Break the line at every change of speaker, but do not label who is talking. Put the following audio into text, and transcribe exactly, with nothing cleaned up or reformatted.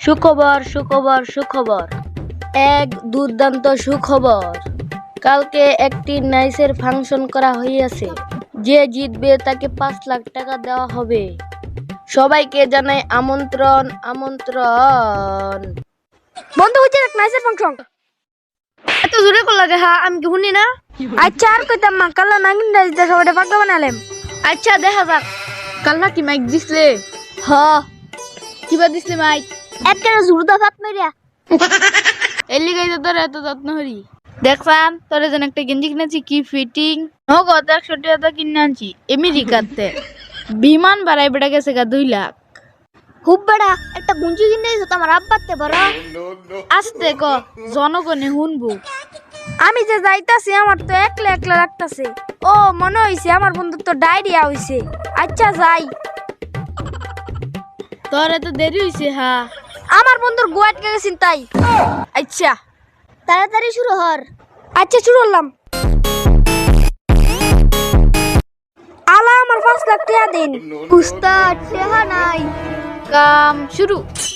সুখবর সুখবর সুখবর এক দুর্দান্ত সুখবর। কালকে একটি নাইসের ফাংশন করা হইয়াছে। যে জিতবে তাকে পাঁচ লাখ টাকা দেওয়া হবে। সবাইকে জানাই আমন্ত্রণ আমন্ত্রণ।
বন্ধু হচ্ছে এক নাইসের ফাংশন।
এত জোরে করলা যে হ্যাঁ আমি কি শুনি না।
আচ্ছা আর কইতাম মা কালা নাগিন রাইজ দা সবাই পাগলা বানালাম।
আচ্ছা দেখা যাক। কাল নাকি মাইক দিছলে? হ। কিবা দিছলে মাইক?
একটা জুরদা ফাত মারিয়া
এলি গাইতে তোর এত যত্ন হরি। দেখছান তোরে যেন একটা গেঞ্জি কিনেছি কি ফিটিং। নগদ একশো টাকা কিনে আনছি আমেরিকাতে। বিমান ভাড়ায় বেড়া গেছে গা দুই লাখ।
খুব বড়া একটা গুঞ্জি কিনে দিছো তোমার আব্বাতে বড়।
আস্তে ক জনগণে শুনবো।
আমি যে যাইতাছি আমার তো একলা একলা লাগতাছে। ও মনে হইছে আমার বন্ধুর তো ডায়রিয়া হইছে। আচ্ছা যাই।
তোর এত দেরি হইছে হা।
আমার বন্ধুর গোয়াট গেছেন তাই।
আচ্ছা
তাড়াতাড়ি শুরু হর। আচ্ছা শুরু হলাম। আলা আমার পাঁচ লাখ টাকা দিন। উস্তাদ টাকা নাই।
কাম শুরু।